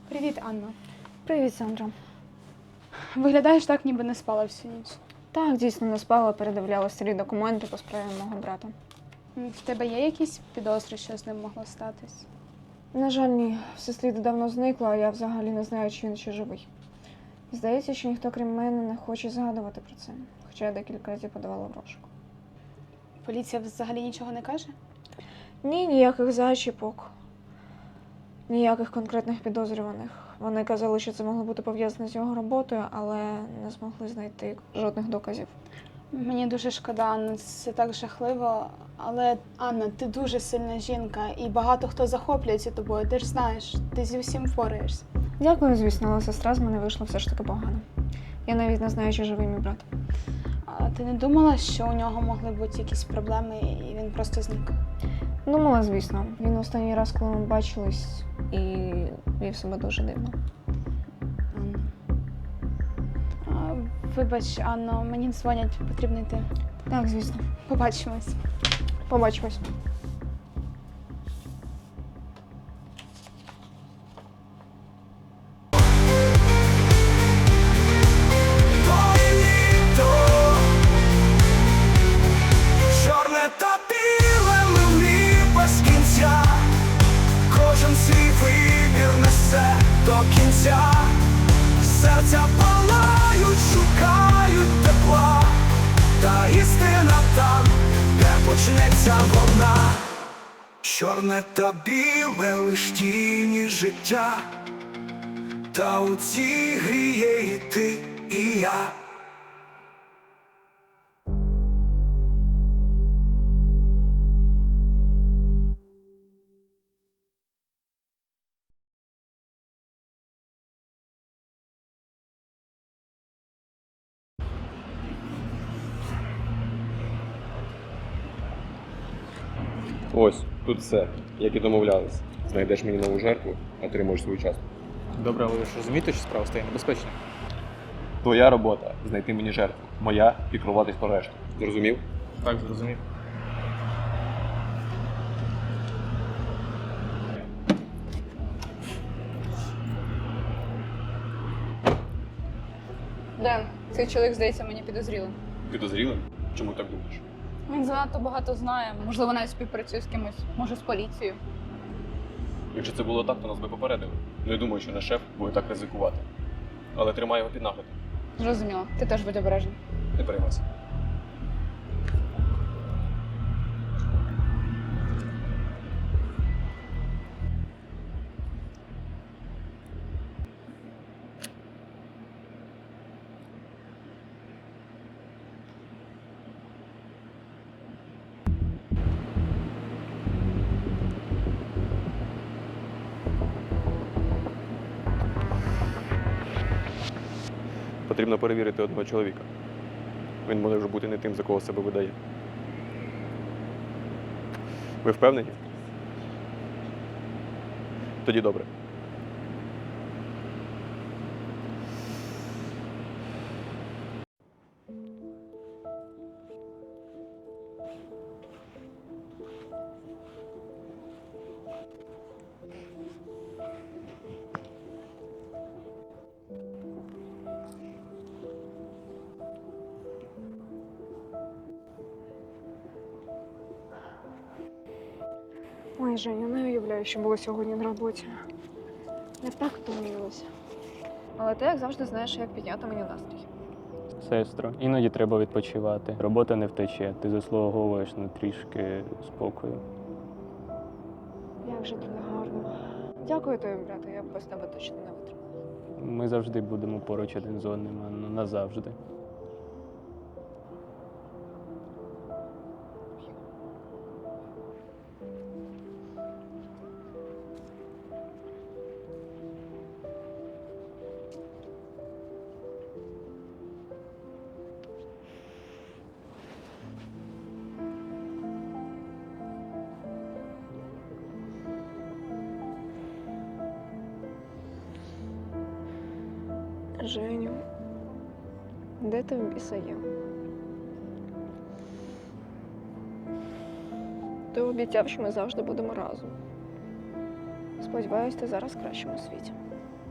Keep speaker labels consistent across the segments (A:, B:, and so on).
A: Привіт, Анна.
B: Привіт, Сандра.
A: Виглядаєш так, ніби не спала всю ніч.
B: Так, дійсно не спала, передивляла старі документи по справі мого брата.
A: В тебе є якісь підозри, що з ним могло статись?
B: На жаль, ні. Все сліди давно зникли, а я взагалі не знаю, чи він ще живий. Здається, що ніхто, крім мене, не хоче згадувати про це. Хоча я декілька разів подавала в розшук.
A: Поліція взагалі нічого не каже?
B: Ні, ніяких зачіпок. Ніяких конкретних підозрюваних. Вони казали, що це могло бути пов'язане з його роботою, але не змогли знайти жодних доказів.
A: Мені дуже шкода, Анна, це так жахливо. Але, Анна, ти дуже сильна жінка, і багато хто захоплюється тобою. Ти ж знаєш, ти зі всім впораєшся.
B: Дякую, звісно, але сестра з мене вийшла все ж таки погано. Я навіть не знаю, чи живий мій брат.
A: А ти не думала, що у нього могли бути якісь проблеми, і він просто зник?
B: Думала, звісно. Він останній раз, коли ми бачились, і вів себе дуже дивно.
A: Анна. Вибач, Анно, мені дзвонять, потрібно йти.
B: Так, звісно.
A: Побачимось.
B: Побачимось.
C: Чорне та біле милі без кінця, кожен свій вибір несе до кінця. Серця палають, шукають тепла, та істина там, де почнеться вона. Чорне та біле лиш тіні життя, та у цій грі є і ти, і я.
D: Ось, тут все, як і домовлялись. Знайдеш мені нову жертву, отримуєш свою частку.
E: Добре, але ви ж розумієте, що справа стає небезпечною?
D: Твоя робота знайти мені жертву. Моя піклуватись про решту. Зрозумів?
E: Так, зрозумів.
F: Ден, цей чоловік здається мені підозрілим.
D: Підозрілим? Чому так думаєш?
F: Він занадто багато знає, можливо, навіть співпрацює з кимось, може з поліцією.
D: Якщо це було так, то нас би попередили. Не думаю, що наш шеф буде так ризикувати. Але тримай його під наглядом.
F: Зрозуміло, ти теж будь обережний.
D: Не переймайся. Потрібно перевірити одного чоловіка. Він може бути не тим, за кого себе видає. Ви впевнені? Тоді добре.
B: Ой, Женя, не уявляю, що було сьогодні на роботі. Я так втомилася. Але ти, як завжди, знаєш, як підняти мені настрій.
G: Сестро, іноді треба відпочивати. Робота не втече, ти заслуговуєш на трішки спокою.
B: Як же тобі гарно. Дякую тобі, брате, я б без тебе точно не витримала.
G: Ми завжди будемо поруч один з одним, Анно, назавжди.
B: Женю, де ти в біса є? Ти обіцяв, що ми завжди будемо разом. Сподіваюсь, ти зараз в кращому світі.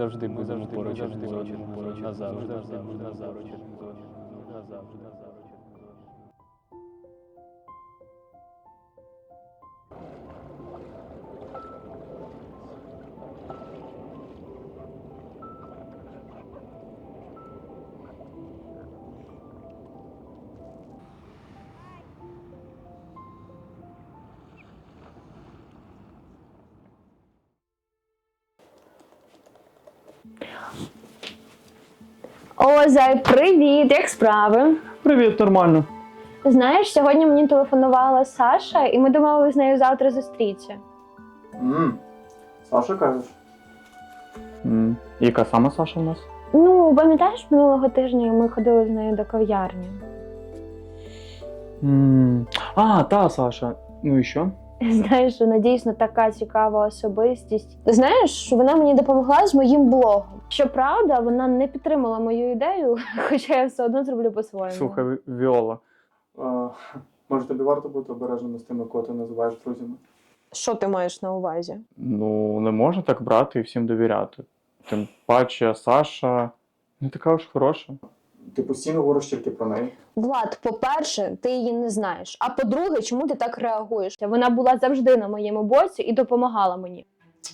G: завжди будемо поруч один з одним. Назавжди. Назавжди.
H: О, Зай, привіт! Як справи?
I: Привіт, нормально.
H: Знаєш, сьогодні мені телефонувала Саша, і ми домовились з нею завтра зустрітися.
I: Саша, кажеш? Яка саме Саша у нас?
H: Ну, пам'ятаєш, минулого тижня ми ходили з нею до кав'ярні.
I: Та Саша. Ну і що?
H: Знаєш, вона дійсно така цікава особистість. Знаєш, вона мені допомогла з моїм блогом. Щоправда, вона не підтримала мою ідею, хоча я все одно зроблю по-своєму.
I: Слухай, Віола. Може тобі варто бути обережними з тими, кого ти називаєш друзями?
H: Що ти маєш на увазі?
I: Ну, не можна так брати і всім довіряти. Тим паче Саша не така ж хороша. Ти постійно говориш тільки про неї.
H: Влад, по-перше, ти її не знаєш. А по-друге, чому ти так реагуєш? Вона була завжди на моєму боці і допомагала мені.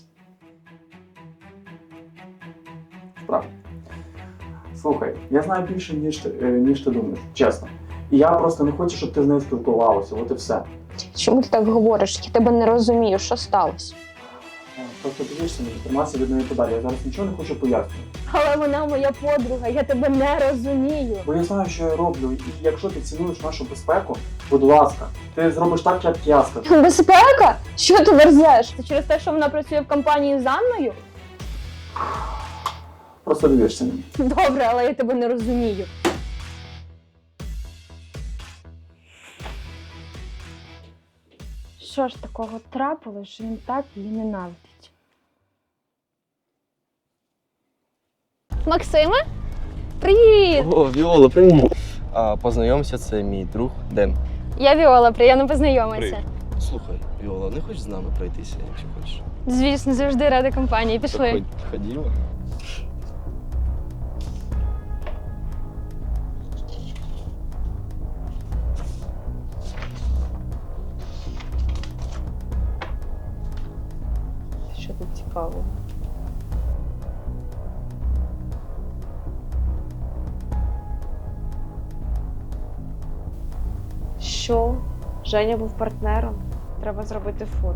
I: Справді. Слухай, я знаю більше, ніж ти думаєш, чесно. І я просто не хочу, щоб ти з нею спілкувалася, от і все.
H: Чому ти так говориш? Я тебе не розумію, що сталося.
I: Просто дивишся, не тримайся від неї подалі. Я зараз нічого не хочу пояснювати.
H: Але вона моя подруга, я тебе не розумію.
I: Бо я знаю, що я роблю, і якщо ти цінуєш нашу безпеку, будь ласка, ти зробиш так, як я скажу.
H: Безпека? Що ти верзеш? Це через те, що вона працює в компанії з Анною?
I: Просто дивишся на мене.
H: Добре, але я тебе не розумію. Що ж такого трапилось, що він так її ненавидить? Максиме? Привіт!
J: О, Віола, привіт! Познайомся, це мій друг Ден.
H: Я Віола, приємно познайомитися.
J: Слухай, Віола, не хочеш з нами пройтися, якщо хочеш?
H: Звісно, завжди рада компанії. Пішли.
J: Так, ходімо.
H: Що тут цікаво?
B: Що? Женя був партнером. Треба зробити фото.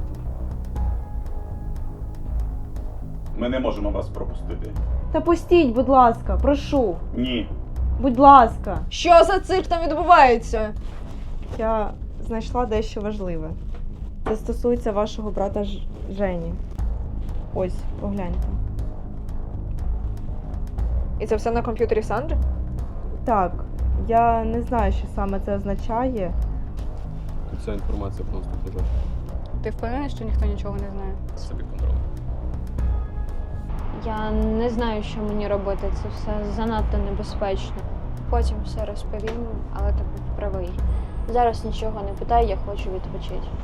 K: Ми не можемо вас пропустити.
L: Та пустіть, будь ласка, прошу.
K: Ні.
L: Будь ласка.
B: Що за цирк там відбувається?
L: Я знайшла дещо важливе. Це стосується вашого брата Жені. Ось, погляньте.
B: І це все на комп'ютері Сандри?
L: Так, я не знаю, що саме це означає.
D: Ця інформація просто пожежа.
F: Ти впевнений, що ніхто нічого не знає?
D: Це під контролем.
H: Я не знаю, що мені робити. Це все занадто небезпечно. Потім все розповім, але ти був правий. Зараз нічого не питай, я хочу відпочити.